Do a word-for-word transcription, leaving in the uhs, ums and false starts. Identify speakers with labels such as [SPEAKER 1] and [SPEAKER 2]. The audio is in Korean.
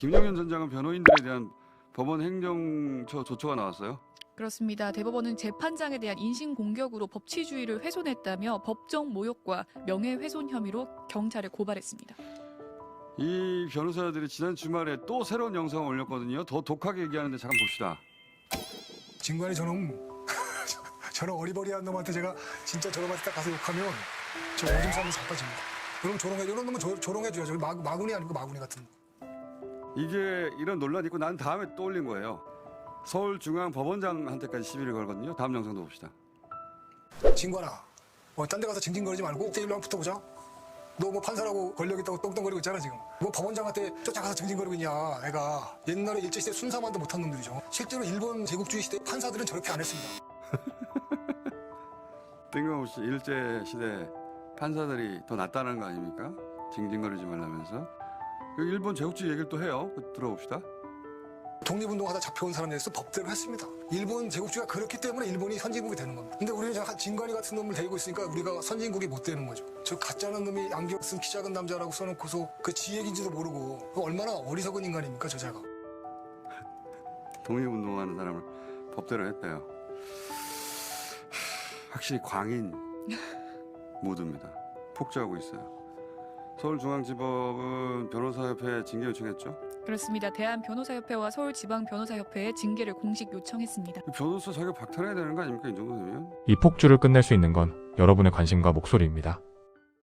[SPEAKER 1] 김영현 전 장관 변호인들에 대한 법원 행정처 조처가 나왔어요.
[SPEAKER 2] 그렇습니다. 대법원은 재판장에 대한 인신공격으로 법치주의를 훼손했다며 법정 모욕과 명예훼손 혐의로 경찰에 고발했습니다.
[SPEAKER 1] 이 변호사들이 지난 주말에 또 새로운 영상을 올렸거든요. 더 독하게 얘기하는데 잠깐 봅시다.
[SPEAKER 3] 진관이 저놈 저런 어리버리한 놈한테 제가 진짜 저놈한테 딱 가서 욕하면 저 오줌 싸면 자빠집니다. 그럼 조롱해 이런 놈은 조, 조롱해줘야죠. 마, 마구니 아니고 마구니 같은. 이게
[SPEAKER 1] 이런 논란이 있고 난 다음에 또 올린 거예요. 서울중앙법원장한테까지 시비를 걸거든요. 다음 영상도 봅시다.
[SPEAKER 3] 진관아, 뭐 딴 데 가서 징징거리지 말고 일대일로 한번 붙어보자. 너 뭐 판사라고 권력 있다고 똥똥거리고 있잖아 지금. 뭐 법원장한테 쫓아가서 징징거리고 있냐. 애가 옛날에 일제시대 순사만도 못한 놈들이죠. 실제로 일본 제국주의 시대 판사들은 저렇게 안 했습니다.
[SPEAKER 1] 뜬금없이 일제시대 판사들이 더 낫다는 거 아닙니까? 징징거리지 말라면서. 그 일본 제국주의 얘기를 또 해요. 들어봅시다.
[SPEAKER 3] 독립운동하다 잡혀온 사람에 대해서 법대로 했습니다. 일본 제국주의가 그렇기 때문에 일본이 선진국이 되는 겁니다. 근데 우리는 저 진관이 같은 놈을 데리고 있으니까 우리가 선진국이 못 되는 거죠. 저 가짜는 놈이 안경 쓴 키 작은 남자라고 써놓고서 그 지 얘기인지도 모르고 얼마나 어리석은 인간입니까 저자가.
[SPEAKER 1] 독립운동하는 사람을 법대로 했대요. 확실히 광인 모드입니다. 폭주하고 있어요. 서울중앙지법은 변호사협회에 징계 요청했죠.
[SPEAKER 2] 그렇습니다. 대한변호사협회와 서울지방변호사협회에 징계를 공식 요청했습니다.
[SPEAKER 1] 변호사 자격 박탈해야 되는 거 아닙니까? 이 정도 되면?
[SPEAKER 4] 이 폭주를 끝낼 수 있는 건 여러분의 관심과 목소리입니다.